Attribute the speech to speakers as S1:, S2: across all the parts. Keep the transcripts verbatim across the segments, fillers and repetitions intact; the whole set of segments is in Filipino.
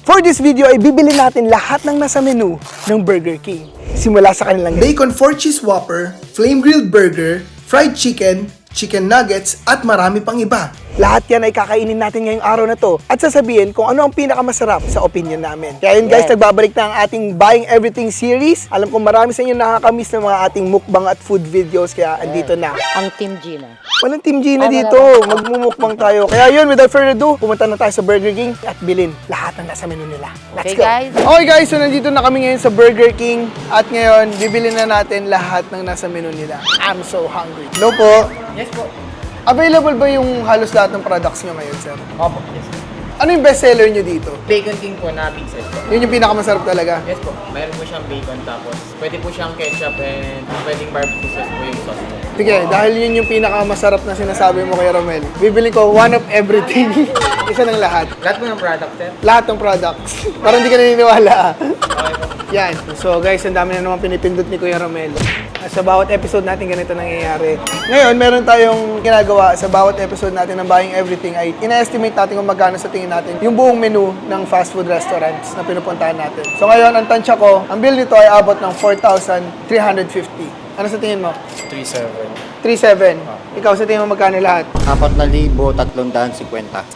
S1: For this video ay bibili natin lahat ng nasa menu ng Burger King. Simula sa kanilang bacon four cheese whopper, flame grilled burger, fried chicken, chicken nuggets, at marami pang iba. Lahat yan ay kakainin natin ngayong araw na to at sasabihin kung ano ang pinakamasarap sa opinion namin. Kaya yun guys,
S2: Yes.
S1: nagbabalik na ang ating Buying Everything series. Alam ko marami sa inyo nakakamiss ng mga ating mukbang at food videos, kaya andito na.
S2: Ang Team Gina.
S1: Walang Team Gina
S2: Ay, wala
S1: dito. Magmumukbang tayo. Kaya yun, without further ado, pumunta na tayo sa Burger King at bilhin lahat ng nasa menu nila. Let's
S2: Okay,
S1: go.
S2: guys.
S1: Okay guys, so nandito na kami ngayon sa Burger King at ngayon, bibili na natin lahat ng nasa menu nila. I'm so hungry. Hello po.
S3: Yes po.
S1: Available ba yung halos lahat ng products nyo ngayon, sir?
S3: Opo, yes po.
S1: Ano yung best seller nyo dito?
S3: Bacon King po na big size po.
S1: Yun yung pinakamasarap talaga.
S3: Yes po. Mayroon po siyang bacon tapos pwede po siyang ketchup and pwedeng barbecue sauce po yung sauce po.
S1: Sige, dahil yun yung pinakamasarap na sinasabi mo kay Romel, bibili ko one of everything. Isa ng lahat.
S3: Lahat po ng product, sir.
S1: Lahat ng products. Parang hindi ka naniniwala. ah.
S3: Okay po.
S1: Yan. So guys, ang dami na naman pinipindot ni Kuya Romel. Sa bawat episode natin ganito nangyayari. Ngayon, meron tayong ginagawa sa bawat episode natin ng Buying Everything ay ina-estimate natin kung magkano sa tingin natin yung buong menu ng fast food restaurants na pinupuntahan natin. So ngayon, ang tansya ko, ang bill nito ay abot ng four thousand three hundred fifty. Ano sa tingin mo?
S4: three seven.
S1: three seven. Ikaw sa tingin mo magkano lahat?
S4: Apat na libo, tatlong daan, sikwenta.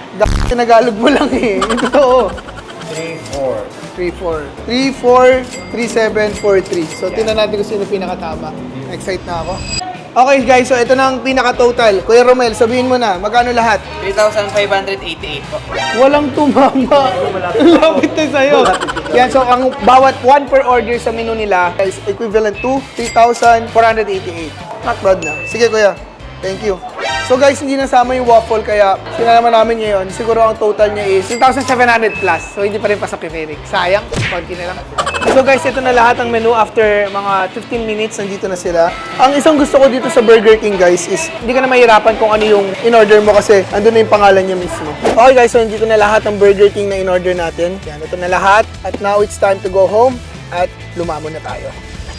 S1: D- Tinagalog mo lang eh. Ito totoo.
S4: three four.
S1: three four. three four, three seven, four three. So, tingnan natin kung sino pinakatama. Excite na ako. Okay guys, so ito na ang pinaka-total. Kuya Romel, sabihin mo na, magkano lahat?
S3: three thousand five hundred eighty-eight po.
S1: Walang tumama. Lapit na sa'yo. Yan, so ang bawat one per order sa menu nila is equivalent to three thousand four hundred eighty-eight. Not bad na. Sige kuya, thank you. So guys, hindi nasama yung waffle kaya sinalaman namin ngayon. Siguro ang total niya is three thousand seven hundred plus. So hindi pa rin pasok kay Felix. Sayang, konti na lang. So guys, ito na lahat ng menu after mga fifteen minutes. Nandito na sila. Ang isang gusto ko dito sa Burger King guys is hindi ka na mahirapan kung ano yung in-order mo kasi andun na yung pangalan niya mismo. Okay guys, so nandito na lahat ng Burger King na in-order natin. Yan, ito na lahat. At now it's time to go home at lumamon na tayo.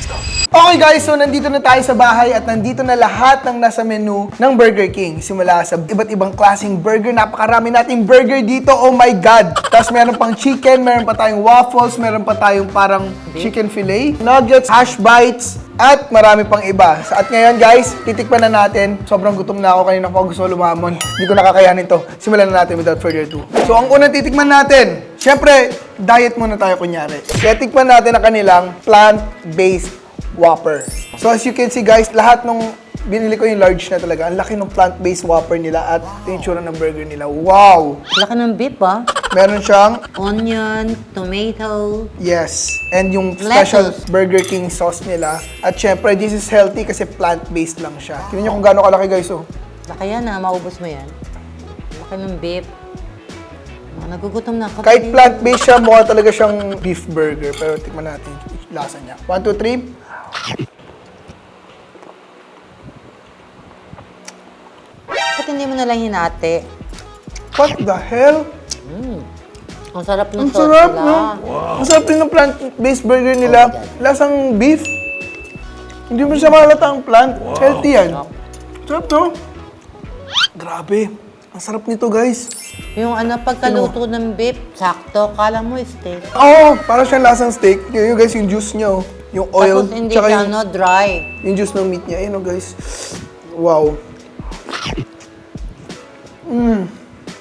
S1: Okay guys, so nandito na tayo sa bahay at nandito na lahat ng nasa menu ng Burger King. Simula sa iba't ibang klaseng burger, napakarami nating burger dito, oh my God! Tapos meron pang chicken, meron pa tayong waffles, meron pa tayong parang chicken fillet, nuggets, hash bites, at marami pang iba. At ngayon guys, titikman na natin. Sobrang gutom na ako, kanina ko gusto lumamon. Hindi ko nakakayanin to. Simulan na natin without further ado. So ang unang titikman natin, syempre, diet muna tayo kunyari. Kaya tikman natin ang kanilang plant-based Whopper. So as you can see guys, lahat nung binili ko yung large na talaga. Ang laki ng plant-based Whopper nila at yung itsura ng burger nila. Wow!
S2: Laki ng beef ah.
S1: Meron siyang,
S2: Onion, tomato.
S1: yes, and yung special
S2: Lettuce.
S1: Burger King sauce nila. At syempre, this is healthy kasi plant-based lang siya. Tingnan nyo kung gaano kalaki guys, oh.
S2: Laki yan ah, maubos mo yan. Laki ng beef. Ah, nagugutom na ako.
S1: Kahit plant-based siya, mukha talaga siyang beef burger. Pero tikman natin yung lasa niya. One, two, three.
S2: Ba't hindi mo nalang hinati?
S1: What the hell?
S2: Ang sarap ng
S1: Ang
S2: sauce
S1: sarap,
S2: nila.
S1: no? Ang sarap din ng plant-based burger nila. Lasang beef. Hindi mo siya malata ang plant. Healthy yan. Sarap, no? Grabe. Ang sarap nito, guys.
S2: Yung ano, pagkaluto ng beef, sakto. Kala mo steak.
S1: Oo, oh, para siyang lasang steak. Yun, yun, guys, yung juice niya, oh. Yung oil,
S2: Tapos hindi
S1: tsaka
S2: siya
S1: yung,
S2: ano, dry.
S1: yung juice ng meat niya. Ayun, oh, guys. Wow.
S2: Mm,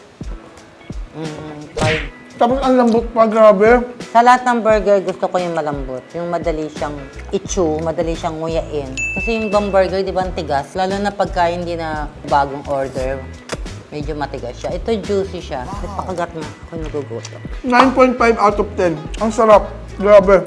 S2: five.
S1: Tapos ang lambot pa, grabe.
S2: Sa lahat ng burger, gusto ko yung malambot. Yung madali siyang i-chew, madali siyang nguyain. Kasi yung ibang burger, di ba, ang tigas. Lalo na pagka hindi na bagong order, medyo matigas siya. Ito, juicy siya. Kasi pakagat mo, ako nagugutom.
S1: nine point five out of ten. Ang sarap. Grabe.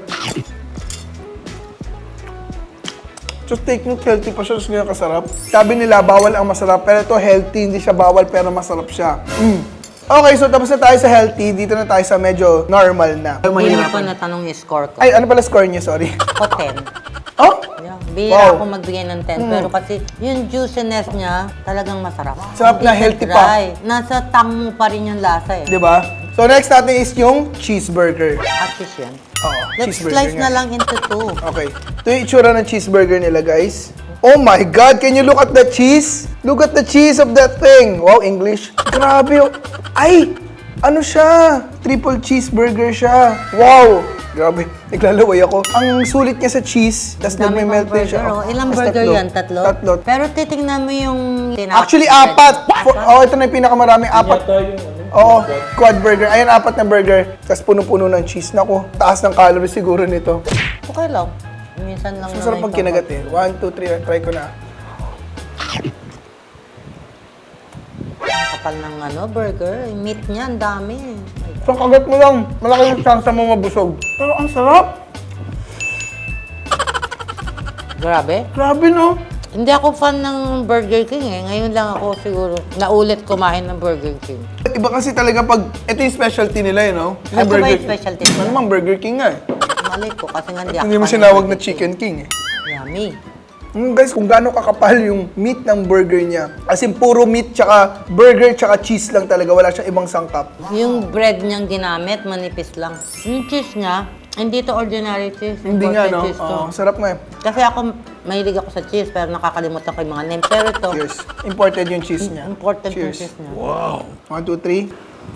S1: Just take note, healthy pa siya, tapos ganyan kasarap. Sabi nila, bawal ang masarap, pero ito healthy, hindi siya bawal, pero masarap siya. Mm. Okay, so tapos na tayo sa healthy, dito na tayo sa medyo normal na.
S2: Hindi mo pa natanong yung score ko.
S1: Ay, ano pala score niyo? Sorry.
S2: Ako, ten.
S1: Oh?
S2: Yeah. Bihira
S1: Wow.
S2: ako magbigay ng ten. Pero kasi yung juiciness niya, talagang masarap.
S1: Sarap na,
S2: Hindi siya
S1: healthy pa.
S2: dry. Nasa tang mo pa rin yung lasa eh.
S1: Di ba? So next natin is yung cheeseburger.
S2: At cheese yan.
S1: Oo,
S2: Let's
S1: cheeseburger
S2: slice
S1: nga.
S2: na lang into two.
S1: Okay. Ito yung itsura ng cheeseburger nila, guys. Oh my God! Can you look at the cheese? Look at the cheese of that thing! Wow, English. Grabe. oh. Ay! Ano siya? Triple cheeseburger siya. Wow! Grabe, naglalaway ako. Ang sulit niya sa cheese, tapos
S2: Dami
S1: nagme-melt
S2: pang
S1: din siya.
S2: burger, oh. Ilang
S1: Tas
S2: burger
S1: tatlo.
S2: yan? Tatlo?
S1: Tatlo.
S2: Pero titingnan mo yung... tinapos
S1: Actually,
S2: na
S1: apat.
S2: bread.
S1: For, oh, ito na yung pinakamarami. Apat.
S3: Ito yung ano.
S1: Oo, quad burger. Ayan, apat na burger. Tapos puno-puno ng cheese. Naku, taas ng calories siguro nito.
S2: Okay lang. Minsan lang
S1: Masarap pag
S2: naman ito.
S1: kinagat eh. One, two, three. Try ko na.
S2: Ang kapal ng ano, burger. Yung meat niya, ang dami.
S1: So, kagat mo lang. Malaki yung chance mo mabusog. Pero ang sarap.
S2: Grabe.
S1: Grabe, no?
S2: Hindi ako fan ng Burger King eh. Ngayon lang ako siguro naulit kumain ng Burger King.
S1: Iba kasi talaga pag... Ito yung specialty nila, eh, no?
S2: Ano ba yung specialty
S1: Ano
S2: nila?
S1: naman, Burger King nga eh.
S2: Malay ko kasi nga hindi ako
S1: Hindi mo
S2: fan ng
S1: sinawag
S2: Burger
S1: na Chicken King eh.
S2: King. Yummy.
S1: Mm, guys, kung gaano kakapal yung meat ng burger niya. As in, puro meat, tsaka burger, tsaka cheese lang talaga. Wala siyang ibang sangkap.
S2: Yung bread niyang ginamit, manipis lang. Yung cheese niya, hindi to ordinary cheese.
S1: Hindi nga,
S2: Imported
S1: no?
S2: cheese to.
S1: Oo, sarap nga eh.
S2: Kasi ako, mahilig ako sa cheese, pero nakakalimutan ko yung mga name. Pero ito,
S1: Cheers. Imported yung cheese niya.
S2: important yung
S1: Cheers.
S2: cheese niya.
S1: One, two, three.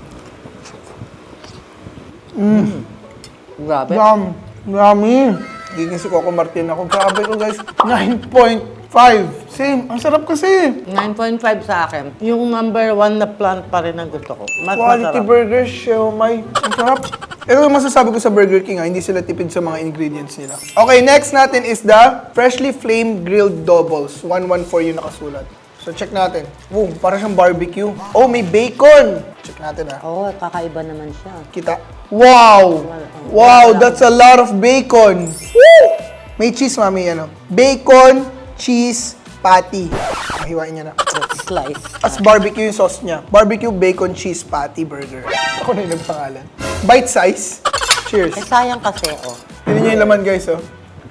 S2: Grabe.
S1: Yum. Yummy. Giging si Coco Martin ako. Grabe ko, guys. nine point five. Same. Ang sarap kasi.
S2: nine point five sa akin. Yung number one na plant pa rin ang gusto ko. Mas
S1: Quality
S2: masarap.
S1: burger, siomay. Ang sarap. Ito yung masasabi ko sa Burger King, ha, hindi sila tipid sa mga ingredients nila. Okay, next natin is the freshly flame grilled doubles. one one four yung nakasulat. So, check natin. Boom, para siyang barbecue. Oh, may bacon! Check natin, ha.
S2: Oo, kakaiba naman siya.
S1: Kita. Wow! Wow, that's a lot of bacon. Woo! May cheese, mami, ano. Bacon, cheese, patty. Mahiwain niya na.
S2: Slice.
S1: As barbecue yung sauce niya. Barbecue, bacon, cheese, patty, burger. Ako na yung nagpangalan. Bite size. Cheers.
S2: Eh, sayang kasi, oh.
S1: Tignan niyo yung laman, guys, oh.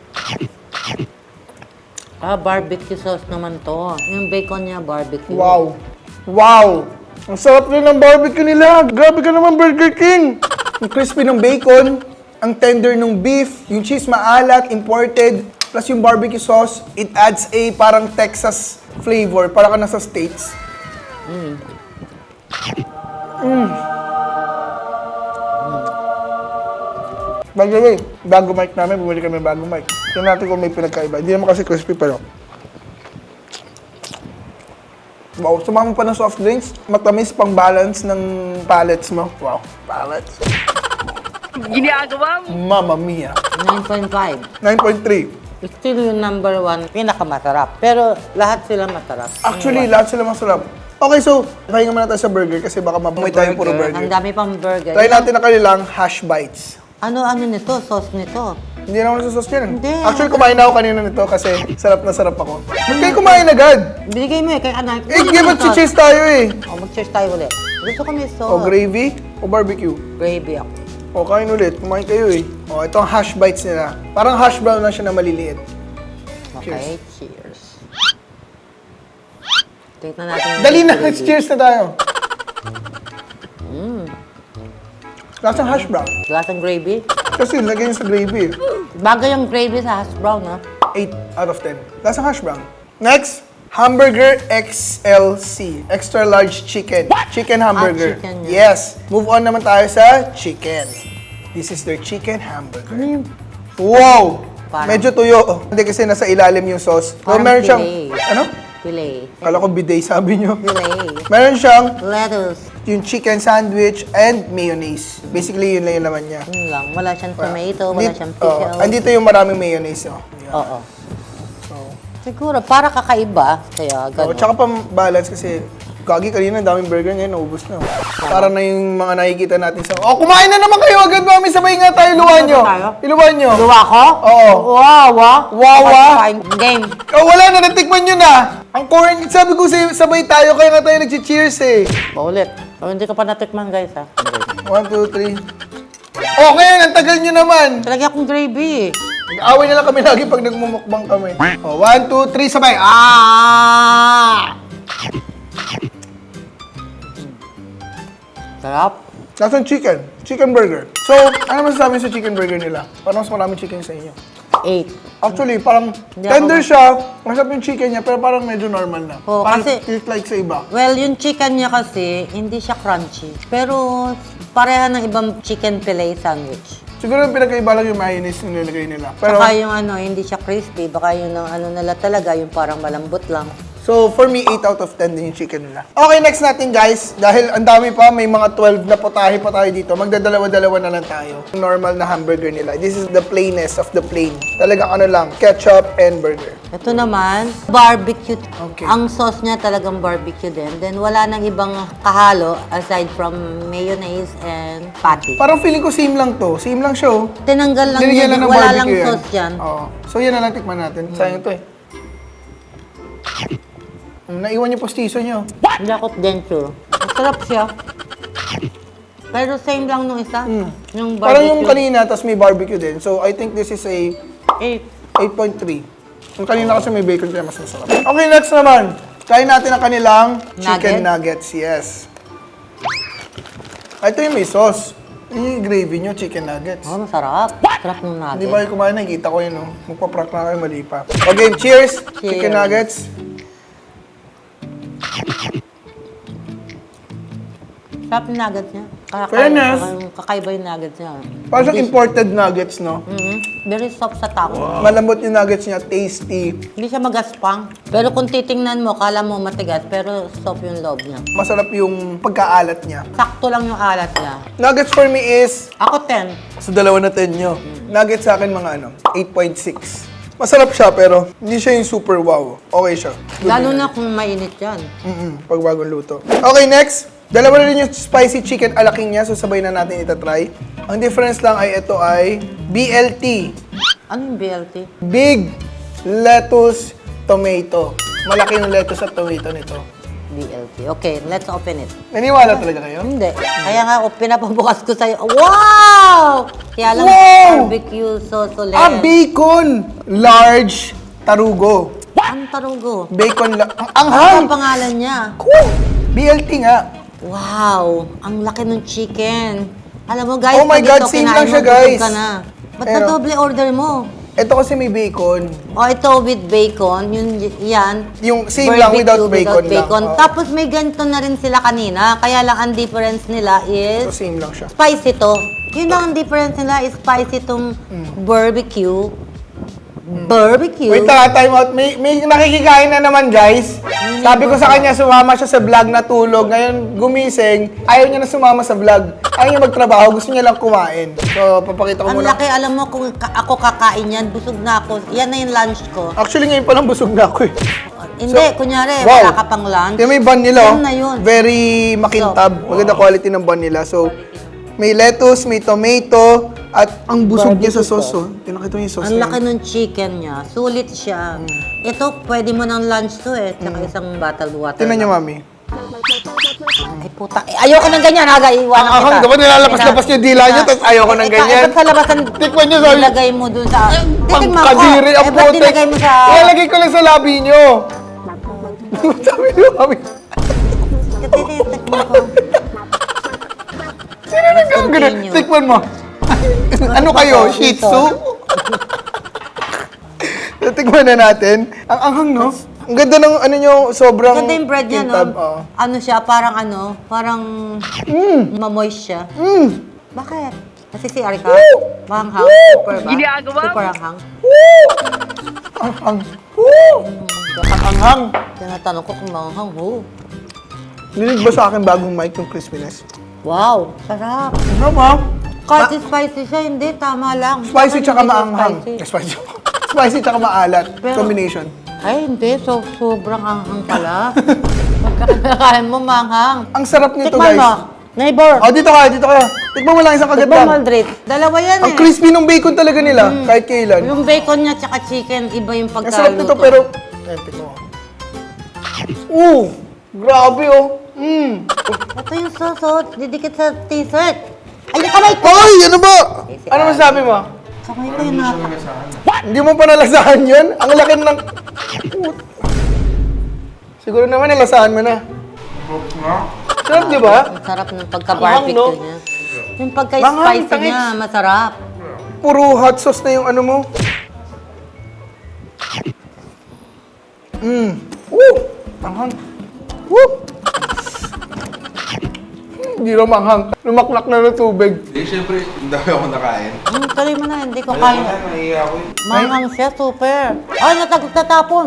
S2: Ah, barbecue sauce naman to. Yung bacon niya, barbecue.
S1: Wow. Wow! Ang sarap rin ng barbecue nila. Grabe ka naman, Burger King. Ang crispy ng bacon, ang tender ng beef, yung cheese maalat, imported, plus yung barbecue sauce, it adds a parang Texas flavor, para ka nasa States. Mm. Mm. By the way, bago mic namin, bumili kami ng bagong mic. Tingnan natin kung may pinagkaiba. Hindi naman kasi crispy, pero... Wow, sumama pa ng soft drinks. Matamis pang balance ng palates mo. Wow, palates. Ginagawa mo? Mamma mia.
S2: nine point five.
S1: nine point three.
S2: Still yung number one, pinakamasarap. Pero lahat sila masarap.
S1: Actually, lahat sila masarap. Okay, so, pahinga muna tayo sa burger kasi baka mabuhay tayo puro
S2: Ang
S1: burger.
S2: dami pang burger.
S1: Try natin na kanilang hash bites.
S2: Ano-ano nito? Sauce nito?
S1: Hindi naman sa sauce yan.
S2: Hindi.
S1: Actually, kumain na ako kanina nito kasi sarap na sarap ako. Ba't kayo kumain agad?
S2: Binigay mo eh, kay anak.
S1: Eh, di ba cheese tayo eh?
S2: O, mag-cheers tayo ulit. Gusto ko may sauce.
S1: O gravy o barbecue?
S2: Gravy ako.
S1: O kain ulit, kumain kayo eh. O ito ang hash bites nila. Parang hash brown lang siya na maliliit.
S2: Okay, cheers. Tignan natin. yung
S1: Dali na,
S2: gravy.
S1: let's cheers na tayo. Lasang hash brown.
S2: Lasang gravy.
S1: Kasi lagay niyo sa gravy.
S2: Bagay yung gravy sa hash brown, ha?
S1: eight out of ten. Lasang hash brown. Next, hamburger X L C. Extra large chicken. Chicken hamburger.
S2: Ah, chicken yan.
S1: Yes. Move on naman tayo sa chicken. This is their chicken hamburger. Wow!
S2: Parang-
S1: Medyo tuyo. Oh, hindi kasi nasa ilalim yung sauce. So,
S2: Parang
S1: meron siyang...
S2: filet.
S1: Ano?
S2: Filet.
S1: Kala ko bidet, sabi nyo.
S2: Filet.
S1: Meron siyang
S2: Lettuce.
S1: yung chicken sandwich and mayonnaise. Basically, yun lang yung laman niya.
S2: Yun lang. Wala siyang tomato, wala
S1: Andit-
S2: siyang
S1: oo.
S2: pickle.
S1: andito yung maraming mayonnaise. Oh.
S2: Oo.
S1: So,
S2: Siguro, para kakaiba. Kaya
S1: oh,
S2: gano'n.
S1: tsaka pang balance kasi gagi kanina, ang daming burger ngayon, naubos na. Para na yung mga nakikita natin sa... Oh, kumain na naman kayo agad, mami. Sabay nga tayo, iluwan nyo.
S2: tayo?
S1: Iluwan nyo.
S2: Gawa ko?
S1: Oo.
S2: Wow, wow.
S1: Wow, wow.
S2: Game.
S1: Oh, wala na, natikman nyo na. Ang corn, sabi ko sa'yo, sabay tayo, kaya nga tayo nag-cheers eh.
S2: Paulit. Oh, hindi ka pa natikman, guys, ha?
S1: One, two, three. Oh, ngayon, ang tagal nyo naman.
S2: Talagyan akong gravy.
S1: Nag-away na lang kami lagi pag nagmumukbang kami. Oh, one, two, three, sabay. Ah!
S2: Sarap.
S1: Nasaan chicken? Chicken burger. So, ano masasabi sa chicken burger nila? Parang mas maraming chicken sa inyo.
S2: eight.
S1: Actually, parang
S2: Hindi
S1: tender
S2: ako-
S1: siya. Masarap yung chicken niya, pero parang medyo normal na.
S2: Oo,
S1: parang
S2: kasi-
S1: tastes like sa iba.
S2: Well, yung chicken niya kasi, hindi siya crunchy. Pero, pareha ng ibang chicken fillet sandwich.
S1: Siguro yung pinagkaiba lang yung mayonnaise na nilagay nila. Pero,
S2: Saka yung ano, hindi siya crispy. Baka yun ang ano nila talaga, yung parang malambot lang.
S1: so for me, eight out of ten din yung chicken nila. Okay, next natin guys. Dahil ang dami pa, may mga twelve na potahe pa tayo dito. Magdadalawa-dalawa na lang tayo. Normal na hamburger nila. This is the plainest of the plain. Talagang ano lang, ketchup and burger.
S2: Ito naman, barbecue.
S1: Okay.
S2: Ang sauce niya talagang barbecue din. Then wala nang ibang kahalo aside from mayonnaise and patty.
S1: Parang feeling ko same lang to. Same lang siya oh.
S2: Tinanggal lang
S1: Nilagyan
S2: yun,
S1: lang ng
S2: wala
S1: barbecue
S2: lang
S1: yan.
S2: sauce yan.
S1: Oo. So yan na lang tikman natin. Sayang to eh. Mm, Naiwan yung postiso nyo.
S2: Lakot denture. Masarap siya. Pero same lang nung isa. Yung barbecue.
S1: Parang yung kanina, tas may barbecue din. So I think this is a
S2: Eight.
S1: eight point three. Yung kanina kasi may bacon kaya mas masarap. Okay, next naman. Kain natin ang kanilang chicken nuggets. Yes. Ah, ito yung may sauce. Yung gravy nyo, chicken nuggets.
S2: Oh, masarap. Sarap ng
S1: Hindi
S2: nugget.
S1: ba kayo kumain? Nakikita ko yun, no? Magpa-prank na kayo, mali pa. Okay, cheers! Chicken
S2: Cheers.
S1: nuggets.
S2: Sarap yung nuggets niya. Kakaiba,
S1: Fairness.
S2: kakaiba yung nuggets niya.
S1: Parang siyang imported nuggets, no?
S2: Mhm. Very soft sa taco.
S1: Malambot yung nuggets niya, tasty.
S2: Hindi siya magaspang. Pero kung titingnan mo, kala mo matigas, pero soft yung loob niya.
S1: Masarap yung pagkaalat niya.
S2: Sakto lang yung alat niya.
S1: Nuggets for me is,
S2: Ako ten.
S1: sa dalawa na ten nyo. Nuggets sa akin mga ano, eight point six. Masarap siya, pero hindi siya yung super wow. Okay siya. Good
S2: Lalo
S1: din.
S2: na kung mainit yan.
S1: Mm-mm, pag bagong luto. Okay, next. Dalawa na rin yung spicy chicken alaking niya, so sabay na natin itatry. Ang difference lang ay ito ay B L T.
S2: Ano yung B L T?
S1: Big Lettuce Tomato. Malaki yung lettuce at tomato nito.
S2: B L T. Okay, let's open it.
S1: Naniwala talaga kayo?
S2: Hindi. Kaya nga, oh, pinapabukas ko sa'yo. Wow! Kaya lang,
S1: Wow!
S2: barbecue sauce ulit.
S1: Ah, bacon! Large tarugo.
S2: Ang tarugo.
S1: Bacon la... Ang
S2: Ano
S1: anghang!
S2: ang pangalan niya?
S1: Cool! B L T nga.
S2: Wow! Ang laki ng chicken. Alam mo guys,
S1: Oh my
S2: pag
S1: God,
S2: ito
S1: same
S2: kinain
S1: lang
S2: mo,
S1: siya,
S2: busog
S1: guys.
S2: ka na. Ba't
S1: Pero-
S2: na doble order mo?
S1: Ito kasi may bacon.
S2: O ito with bacon, yun yan.
S1: Yung same lang without bacon lang. Oo.
S2: Tapos may ganito na rin sila kanina. Kaya lang ang difference nila
S1: So,
S2: is
S1: same lang siya.
S2: spicy to. Yun lang ang difference nila is spicy tong barbecue. Barbecue.
S1: Wait lang, time out. May, may nakikikain na naman, guys. Sabi ko sa kanya, sumama siya sa vlog na tulog. Ngayon, gumising. Ayaw niya na sumama sa vlog. Ayaw niya magtrabaho. Gusto niya lang kumain. So, papakita ko
S2: Ang
S1: muna.
S2: laki, alam mo, kung ka- ako kakain yan, busog na ako. Yan na yung lunch ko.
S1: Actually, ngayon pa lang busog na ako eh.
S2: Hindi,
S1: So,
S2: kunyari,
S1: wow.
S2: wala ka pang lunch.
S1: Yung may bun nila, oh.
S2: Yun na yun.
S1: Very makintab. Maganda quality ng bun nila. So, may lettuce, may tomato, at ang busog niya sa sauce, oh. Tinakita mo yung sauce
S2: Ang
S1: na
S2: laki
S1: yun.
S2: ng chicken niya. Sulit siya. Ito, pwede mo ng lunch to eh. Tsaka isang bottled water.
S1: Tingnan niyo,
S2: lang.
S1: mami.
S2: Ay, puta. Eh, ayoko ng ganyan, haga. Iwanan
S1: Ang ahang,
S2: kita.
S1: dapat nilalapas-lapas niyo yung dila niyo,
S2: Ah,
S1: tapos ayoko ng
S2: eh, eh,
S1: ganyan.
S2: Eh, ba't sa labasan?
S1: Tikman niyo, sabi.
S2: Ilagay mo dun sa... Titikman ko.
S1: Pangkadiri ang
S2: Eh, ba't
S1: putek.
S2: nilagay mo sa...
S1: Ilalagay ko lang sa labi niyo. Sabi niyo, mami.
S2: Titikman ko.
S1: Sino nang gano'n?
S2: continue.
S1: Tikman mo. Ano kayo? Shih Tzu? Tikman na natin. Ang anghang, no? Ang ganda ng ano nyo, sobrang...
S2: Ganda yung bread niya, no?
S1: kintab, oh.
S2: Ano siya, parang ano, parang
S1: Mm.
S2: mamoist siya.
S1: Mm.
S2: Bakit? Kasi si Arika, mahanghang, super ba? Super hanghang.
S1: Anghang. Woo! Ang anghang.
S2: Tinatanong ko kung mahanghang, ho.
S1: Nilig ba sa akin bagong mic yung crispiness?
S2: Wow, sarap.
S1: Ano ba?
S2: Kasi spicy siya, hindi, tama lang.
S1: Spicy
S2: Bakit
S1: tsaka
S2: hindi siya
S1: maanghang.
S2: spicy?
S1: Eh, Spicy. Spicy tsaka maalat.
S2: Pero-
S1: Combination.
S2: Ay, hindi. So, sobrang anghang pala. Pagkakakain mo, maanghang.
S1: Ang sarap nito,
S2: Tikman
S1: guys.
S2: mo. Neighbor.
S1: Oh, dito ka, dito ka. Tikman mo lang isang kagat
S2: Tikman
S1: lang.
S2: mo, Aldrit. Dalawa yan
S1: Ang
S2: eh.
S1: crispy ng bacon talaga nila, kahit kailan.
S2: Yung bacon niya tsaka chicken, iba yung
S1: Ang
S2: pagkaluto.
S1: sarap nito, pero... Eh, tikman mo. Uh! Grabe, oh. Mmm.
S2: Ito yung sauce, oh. Didikit sa t-shirt. Ay, yung kamay ko!
S1: Ay, ano ba?
S2: Eh, si
S1: Ano
S2: Ari.
S1: masabi mo?
S2: Kamay ko yung nata.
S1: Hindi mo pa nalasahan yun? Ang laki ng... Siguro naman nalasahan mo na. Sarap, di ba?
S2: Ang sarap ng
S1: Anghang,
S2: pagka-barbecue
S1: no?
S2: niya. Yung
S1: Manghang,
S2: pagka-spicy
S1: tangis.
S2: niya, masarap.
S1: Puro hot sauce na yung ano mo. Mmm. Woo! Manghang. Woo! Hindi na manghang. Lumaklak na ng tubig.
S5: Eh, syempre, ang dami ako nakain.
S2: Hmm, tuloy mo na, hindi ko
S5: Ayaw
S2: kaya.
S5: ko na, nahiya ako eh.
S2: Manghang siya, super. Ay, natag- tatapon.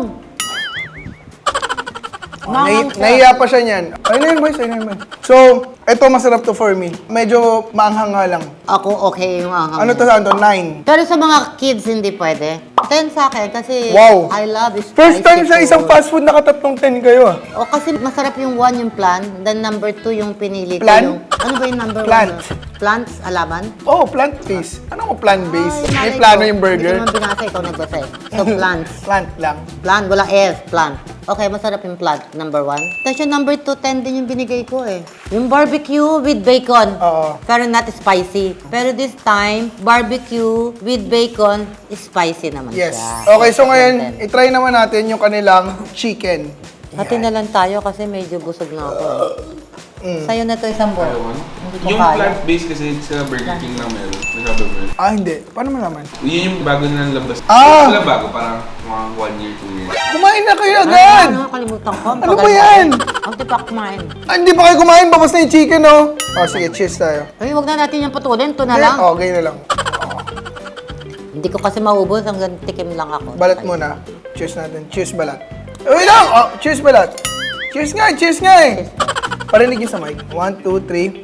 S2: Manghang
S1: Nahi-
S2: siya.
S1: nahiya pa siya niyan. Ayun na yun, boys. Ayun na yun, boys. So, ito masarap to for me. Medyo maanghang nga lang.
S2: Ako, okay yung anghang.
S1: Ano to sa to? Nine.
S2: Pero sa mga kids, hindi pwede. ten sa akin kasi
S1: Wow.
S2: I love spicy
S1: First time sa
S2: food.
S1: isang fast food nakatatlong ten kayo ah.
S2: O kasi masarap yung one, yung plan. Then number two, yung pinili ko.
S1: Plan?
S2: Yung, ano ba yung number
S1: Plant.
S2: one? Plants, alaman?
S1: Oh, plant-based. Ano ko plant-based?
S2: Ay,
S1: May
S2: malay
S1: plano
S2: ko.
S1: yung burger.
S2: Hindi ko man binasa, ikaw nagbasa eh. So, plants.
S1: Plant lang.
S2: Plant, wala S, plant. Okay, masarap yung plant, number one. Tapos yung number two, ten din yung binigay ko eh. Yung barbecue with bacon.
S1: Oo.
S2: Pero not spicy. Pero this time, barbecue with bacon, spicy naman
S1: Yes.
S2: siya.
S1: Okay, so
S2: ten.
S1: ngayon, itry naman natin yung kanilang chicken.
S2: Hati na lang tayo kasi medyo busog na ako. Eh. Sa'yo na to isang buwan.
S5: Ewan.
S2: Hindi ko
S5: Yung
S2: kaya.
S5: plant-based kasi sa Burger King lang meron. Nasabi mo yun.
S1: Ah, hindi. Paano mo naman?
S5: Yun yung bago na labas.
S1: Ah!
S5: Wala bago, parang mga one year, two years.
S1: Kumain na kayo
S2: Ay,
S1: agad!
S2: ano, kalimutan ko. Ang
S1: Ano
S2: tagal
S1: ba yan?
S2: natin. Ang tipak kumain.
S1: Ah, hindi pa kayo kumain, babas na yung chicken, oh. Oh, sige, cheers tayo.
S2: Ay, huwag na natin yung putulin. Ito na
S1: Hindi,
S2: lang.
S1: Oh, ganyan na lang.
S2: Hindi ko kasi maubos. Hanggang tikim lang ako.
S1: Balat muna. Cheers natin. Cheers, balat. Uy lang! Oh, cheers, balat. Cheers nga, cheers nga eh. Parinig yun sa mic. One, two, three.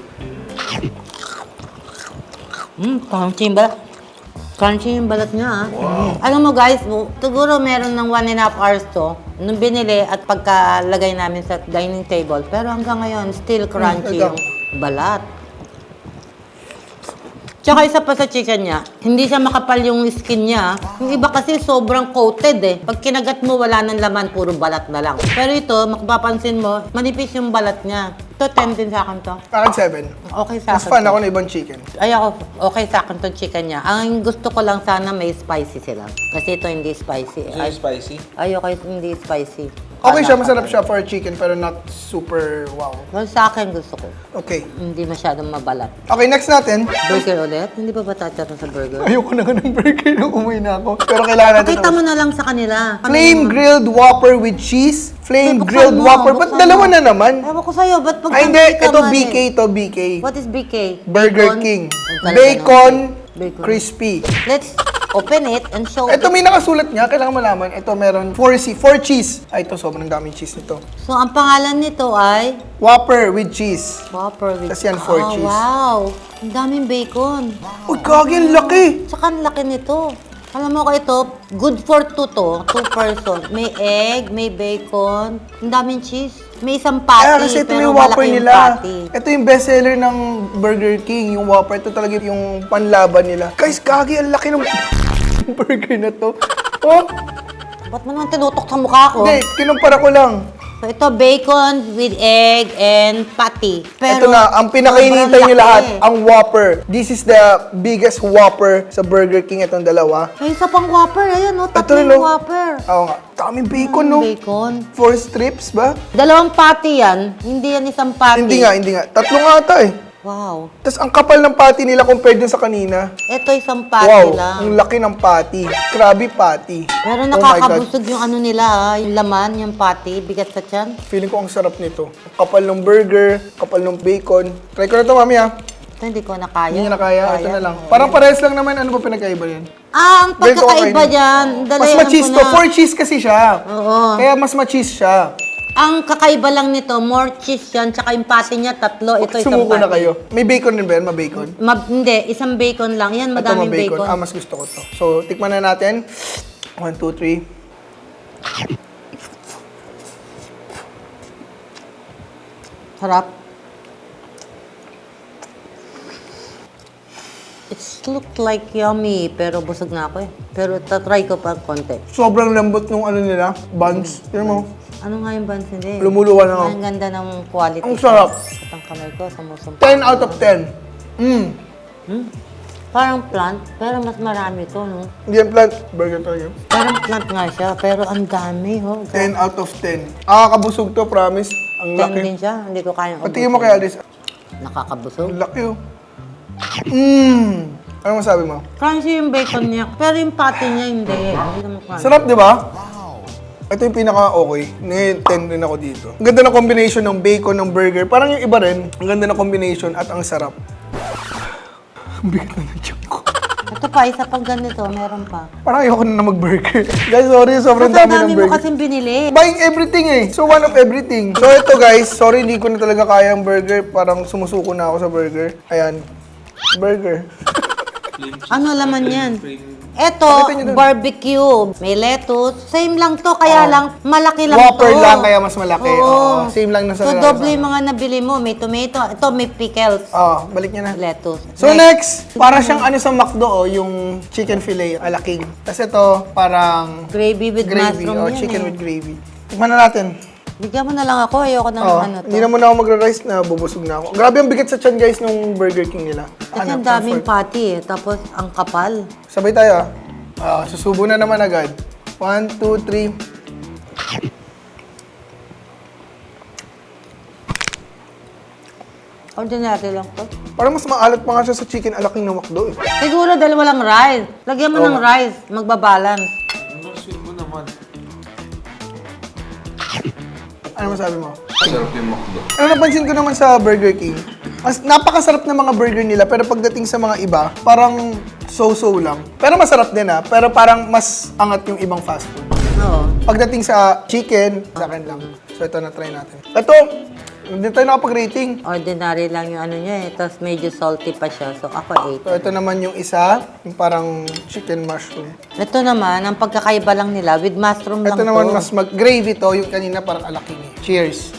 S2: Hmm, crunchy yung balat. Crunchy yung balat niya, ah. Alam mo guys, siguro meron ng one and a half hours to nung binili at pagkalagay namin sa dining table. Pero hanggang ngayon, still crunchy
S1: ito.
S2: yung balat. Tsaka isa pa sa chicken niya, hindi siya makapal yung skin niya. Yung iba kasi sobrang coated eh. Pag kinagat mo, wala nang laman, puro balat na lang. Pero ito, mapapansin mo, manipis yung balat niya. Ito, ten din sa akin to.
S1: Akin seven.
S2: Okay sa
S1: Mas
S2: akin.
S1: fan
S2: to.
S1: ako na ibang chicken.
S2: Ay ako, okay sa akin tong chicken niya. Ang gusto ko lang sana may spicy sila. Kasi ito hindi spicy. Ay,
S5: spicy?
S2: ay okay, hindi spicy.
S1: Okay siya,
S2: Wala.
S1: masarap siya for chicken, pero not super wow.
S2: Well, sa akin gusto ko.
S1: Okay.
S2: Hindi masyadong mabalat.
S1: Okay, next natin.
S2: Burger ulit? Hindi ba ba tatatan sa burger?
S1: Ayoko na nga ng burger nung umuwi na ako. Pero kailangan natin.
S2: Pakita mo na lang sa kanila.
S1: Flame grilled Whopper with cheese. Flame
S2: Buksan
S1: grilled
S2: mo,
S1: Whopper. Ba't
S2: buksan
S1: dalawa
S2: mo.
S1: na naman?
S2: Ewan ko sa'yo, ba't pag
S1: Ay, hindi.
S2: ka
S1: Ito
S2: man
S1: B K,
S2: eh?
S1: ito B K.
S2: What is B K?
S1: Burger
S2: Bacon?
S1: King.
S2: Ang talaga
S1: Bacon,
S2: naman. Bacon.
S1: crispy.
S2: Let's open it and show
S1: Ito
S2: it.
S1: may nakasulat niya. Kailangan malaman. Ito meron four C, four cheese. Ay, ito sobrang daming cheese nito.
S2: So, ang pangalan nito ay
S1: Whopper with cheese.
S2: Whopper with...
S1: Tas yan, four
S2: Ah,
S1: cheese.
S2: Wow! Ang daming bacon.
S1: Uy, kagi, ang laki.
S2: Tsaka ang laki nito. Alam mo ko ito, good for two to, two person. May egg, may bacon, ang daming cheese. May isang patty,
S1: Kaya kasi ito
S2: pero
S1: yung Whopper
S2: malaki yung
S1: nila.
S2: patty.
S1: Ito yung bestseller ng Burger King, yung Whopper. Ito talaga yung panlaban nila. Guys, kagi, ang laki ng burger na to. Oh,
S2: Ba't mo naman tinutok sa mukha ko?
S1: hindi, kinumpara ko lang.
S2: So ito, bacon with egg and patty.
S1: Ito
S2: Pero,
S1: na, ang pinakainintay
S2: sobrang
S1: nyo
S2: laki.
S1: lahat, ang Whopper. This is the biggest Whopper sa Burger King, itong dalawa.
S2: May isa pang Whopper, ayan o,
S1: Ito
S2: tatlo
S1: rin,
S2: yung
S1: no?
S2: Whopper.
S1: Oo nga, daming bacon, no?
S2: Bacon.
S1: Four strips ba?
S2: Dalawang patty yan, hindi yan isang patty.
S1: Hindi nga, hindi nga. Tatlo nga ata eh.
S2: Wow.
S1: Tapos ang kapal ng patty nila compared dun sa kanina.
S2: Ito isang patty
S1: Wow,
S2: lang.
S1: ang laki ng patty. Krabby patty.
S2: Pero
S1: Oh my God.
S2: nakakabusog yung ano nila, ah, yung laman, yung patty, bigat sa tiyan.
S1: Feeling ko ang sarap nito. Ang kapal ng burger, kapal ng bacon. Try ko na to, mami ha.
S2: Ito hindi ko na kaya.
S1: Hindi niya na kaya. Ito na lang. Parang parehas lang naman. Ano ba pinagkaiba yan?
S2: Ah, ang
S1: Ganito
S2: pagkakaiba
S1: kakainin.
S2: dyan, dali,
S1: Mas
S2: alam
S1: ma-cheese
S2: ko
S1: to.
S2: na.
S1: Four cheese kasi siya.
S2: Oo.
S1: Kaya mas ma-cheese siya.
S2: Ang kakaiba lang nito, more cheese yan, tsaka yung patty niya, tatlo. Ito isang
S1: Sumuko na
S2: patty.
S1: kayo. May bacon din ba yan? Ma-bacon?
S2: Ma- hindi, isang bacon lang. Yan,
S1: Ito
S2: madaming
S1: ma-bacon.
S2: bacon.
S1: Ah, mas gusto ko to. So, tikman na natin. One, two, three.
S2: Sarap. It's looked like yummy, pero busog na ako eh. Pero tatry ko pa konti.
S1: Sobrang lambot nung ano nila. Buns. Tignan mo.
S2: Ano nga yung buns hindi?
S1: Lumuluwa na ako.
S2: Ang ganda ng quality.
S1: Ang sarap.
S2: At ang kamay ko, samusong.
S1: ten out of ten. Mm.
S2: Hmm? Parang plant, pero mas marami to, no?
S1: Hindi yan plant. Burger talaga.
S2: Parang plant nga siya, pero ang dami, ho.
S1: ten out of ten. Ah, kabusog to, promise. Ang
S2: Ten
S1: laki.
S2: din siya, hindi ko kayang
S1: Patingin mo kay Alice.
S2: Nakakabusog.
S1: Ang laki oh. Mmm. Ano masabi mo?
S2: Crunchy yung bacon niya, pero yung patty niya hindi. Hindi naman crunchy.
S1: Sarap, di ba? Ito yung pinaka-okay. Ngayon, ten rin ako dito. Ang ganda ng combination ng bacon, ng burger. Parang yung iba rin. Ang ganda ng combination at ang sarap. Ang bigat na ng tiyan ko.
S2: Ito pa, isa pang ganito, meron pa.
S1: Parang ayoko na na mag-burger. Guys, sorry. Sobrang
S2: Ang
S1: dami ng
S2: dami mo
S1: burger.
S2: kasing binili.
S1: Buying everything eh. So, one of everything. So, ito guys. Sorry, hindi ko na talaga kaya ang burger. Parang sumusuko na ako sa burger. Ayan. Burger.
S2: Ano laman yan? Ito,
S1: Pakita niyo dun.
S2: barbecue. May lettuce. Same lang to, kaya lang malaki lang
S1: Whopper
S2: to.
S1: lang, kaya mas malaki.
S2: Oo.
S1: Oo. Same lang na sa
S2: So, doble yung mga nabili mo. May tomato. Ito, may pickles.
S1: Oh, balik niya na.
S2: Lettuce.
S1: So next, para siyang ano sa McDo, oh, yung chicken fillet, alaking. Tapos ito, parang
S2: Gravy with
S1: gravy,
S2: mushroom
S1: oh,
S2: yan
S1: chicken
S2: eh.
S1: with gravy. Tikman na natin.
S2: Bigyan mo na lang ako. Ayoko ng
S1: Oh,
S2: ano to.
S1: hindi na muna ako magra-rice na bubusog na ako. Grabe ang bigat sa tiyan guys nung Burger King nila.
S2: Kasi
S1: Hanap
S2: ang
S1: ng
S2: daming
S1: fork.
S2: patty eh. Tapos ang kapal.
S1: Sabay tayo ah. Ah, susubo na naman agad. One, two, three.
S2: Ordinary lang to.
S1: Parang mas maalat pa nga siya sa chicken alaking ng McDo eh.
S2: Siguro dahil walang rice. Lagyan mo
S1: Oo.
S2: ng rice. Magbabalance.
S1: Ano masabi mo?
S5: Sarap yung McDo.
S1: Ano napansin ko naman sa Burger King, mas napakasarap ng mga burger nila, pero pagdating sa mga iba, parang so-so lang. Pero masarap din ah, pero parang mas angat yung ibang fast food.
S2: Oo.
S1: Pagdating sa chicken, sa akin lang. So ito na try natin. Ito, hindi tayo nakapag-rating.
S2: Ordinary lang yung ano niya eh. Tapos medyo salty pa siya. So ako eight.
S1: So ito naman yung isa, yung parang chicken mushroom.
S2: Ito naman, ang pagkakaiba lang nila, with mushroom lang
S1: Ito naman
S2: to.
S1: mas mag-gravy to, yung kanina parang alaking eh. Cheers!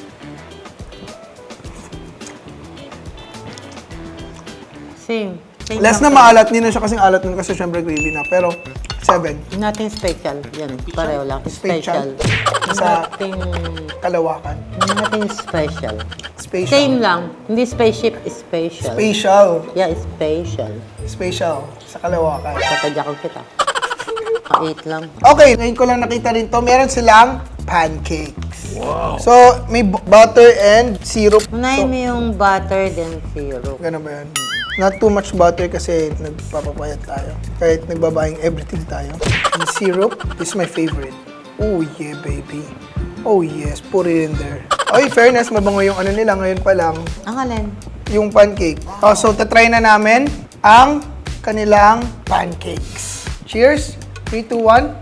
S2: Same. Same
S1: Less na
S2: lang to.
S1: maalat, hindi na siya kasing alat nun kasi syempre gravy na. Pero, seven.
S2: Nothing special. Yan, pareho lang.
S1: Special?
S2: Special.
S1: Sa-
S2: Nothing,
S1: Kalawakan.
S2: nothing special.
S1: Special.
S2: Same lang. Hindi spaceship, special.
S1: Special.
S2: Yeah, special.
S1: Special. Sa Kalawakan.
S2: Tatadyakan kita. eight lang.
S1: Okay, ngayon ko lang nakita rin to. Meron silang pancakes. Wow. So, may bu- butter and syrup.
S2: Unahin mo yung butter, then syrup.
S1: Ganun ba yan? Not too much butter kasi nagpapapayat tayo. Kahit nagbabayang everything tayo. And syrup is my favorite. Oh yeah, baby. Oh yes, put it in there. Okay, fairness, mabango yung ano nila ngayon pa lang.
S2: Ang alin?
S1: Yung pancake. Oh, so, tatry na namin ang kanilang pancakes. Cheers! three, two, one.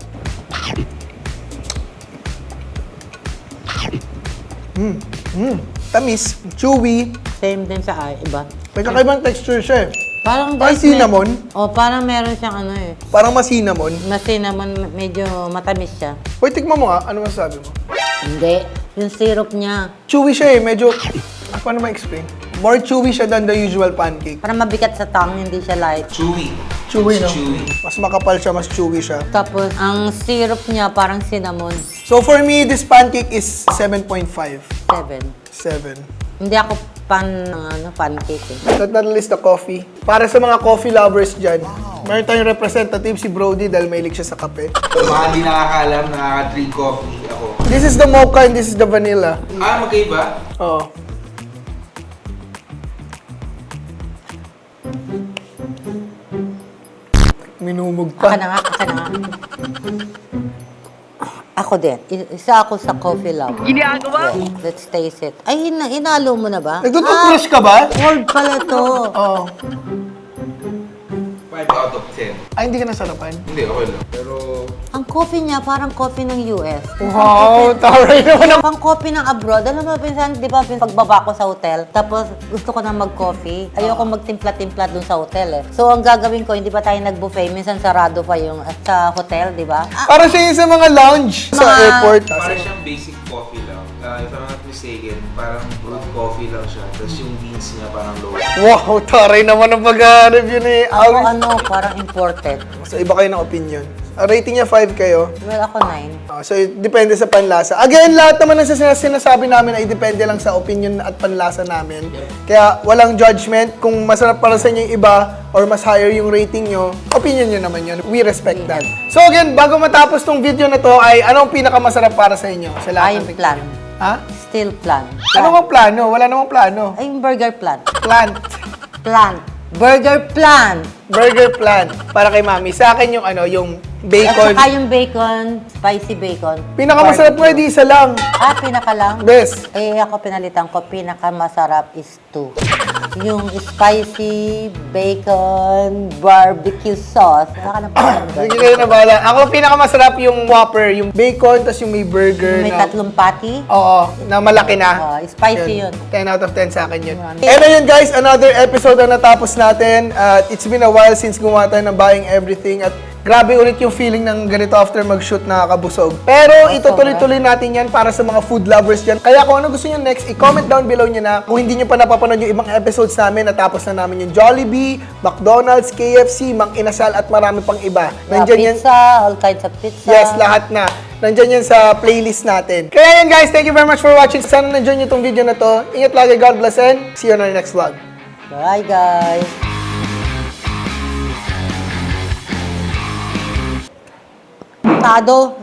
S1: Mm, mm, tamis, chewy.
S2: Same din sa ay, iba.
S1: May kakaibang texture siya eh.
S2: Parang
S1: Parang
S2: guys, may-
S1: cinnamon.
S2: Oh, parang meron siyang ano eh.
S1: Parang mas cinnamon.
S2: Mas cinnamon, medyo matamis siya.
S1: Uy, tikman mo nga. Ano masasabi mo?
S2: Hindi. Yung syrup niya.
S1: Chewy siya eh. Medyo, paano ma-explain? More chewy siya than the usual pancake.
S2: Parang mabigat sa tongue, hindi siya light.
S5: Chewy.
S1: Chewy, no?
S5: Chewy.
S1: Mas makapal siya, mas chewy siya.
S2: Tapos, ang syrup niya parang cinnamon.
S1: So for me, this pancake is seven point five.
S2: Seven.
S1: seven.
S2: Hindi ako pan ng ano, pancake eh.
S1: That not least the coffee. Para sa mga coffee lovers dyan, meron tayong representative si Brody dahil mahilig siya sa kape.
S5: So, mga hindi nakakaalam, nakaka-drink coffee ako.
S1: This is the mocha and this is the vanilla.
S5: Ah, magkaiba?
S1: Oo. Minumog
S2: Aka
S1: pa.
S2: na nga, aka na nga. Ako din. I- Isa ako sa coffee lover. Ginagawa? Yes, let's taste it. Ay, hina hinalo mo na ba?
S1: Nagtututbrush ka ba?
S2: Cold pala to.
S1: Oo.
S5: five out of ten.
S1: Ay, hindi ka nasarapan.
S5: Hindi, okay lang. Pero,
S2: Ang coffee niya parang coffee ng U S.
S1: Wow, taray naman ang...
S2: Pang coffee ng abroad. Alam mo, pinsan, di ba, pin- pagbaba ko sa hotel, tapos gusto ko na mag-coffee. Ayoko magtimpla-timpla dun sa hotel eh. So, ang gagawin ko, hindi pa tayo nag-buffet. Minsan sarado pa yung at sa hotel, di ba? Ah,
S1: Para siya yung sa mga lounge sa
S2: Mga-
S1: airport.
S5: parang siyang basic coffee lang. Uh, if I'm not mistaken, parang brewed coffee lang siya. Tapos yung beans niya parang low.
S1: Wow, taray naman ang pag-review ni
S2: ako
S1: Alice.
S2: ano, parang imported.
S1: So, iba kayo ng opinion. Ang rating niya five kayo.
S2: Well, ako nine.
S1: Ah, so, it depende sa panlasa. Again, lahat naman ng sinas- sinasabi namin ay depende lang sa opinion at panlasa namin. Kaya, walang judgment. Kung masarap para sa inyo yung iba or mas higher yung rating nyo, opinion nyo naman yun. We respect that. So, again, bago matapos tong video na to, ay anong pinakamasarap para sa inyo? Sa lahat
S2: Ay,
S1: ng-
S2: plan.
S1: Ha?
S2: Still plan.
S1: Ano bang plano? Wala namang plano.
S2: Ay, yung burger plan.
S1: Plant.
S2: Plan. Burger plan.
S1: Burger plan. Para kay Mami. Sa akin yung ano, yung
S2: At
S1: bacon.
S2: saka yung bacon, spicy bacon.
S1: Pinakamasarap ko,
S2: barbecue.
S1: di isa lang.
S2: Ah, pinaka lang?
S1: Best.
S2: Eh, ako pinalitan ko, pinakamasarap is two. Yung spicy bacon barbecue sauce. Wala ka na pa
S1: Sige kayo na bahala. Ako pinakamasarap yung Whopper, yung bacon, tas yung may burger
S2: May
S1: na...
S2: tatlong patty.
S1: Oo, na malaki na.
S2: Ah, spicy yun.
S1: ten out of ten sa akin yun.
S2: Marami.
S1: And ayun guys, another episode na natapos natin. At it's been a while since gumawa tayo ng Buying Everything. At grabe ulit yung feeling ng ganito after mag-shoot, nakakabusog. Pero itutuloy-tuloy natin yan para sa mga food lovers dyan. Kaya kung ano gusto nyo next, i-comment down below nyo na. Kung hindi nyo pa napapanood yung ibang episodes namin, natapos na namin yung Jollibee, McDonald's, K F C, Mang Inasal at marami pang iba.
S2: Yeah,
S1: Nandyan yan.
S2: pizza, all kinds of pizza.
S1: Yes, lahat na. Nandyan yan sa playlist natin. Kaya yan guys, thank you very much for watching. Sana nandyan nyo itong video na to. Ingat lagi, God bless, and see you on our next vlog.
S2: Bye, guys. Tado.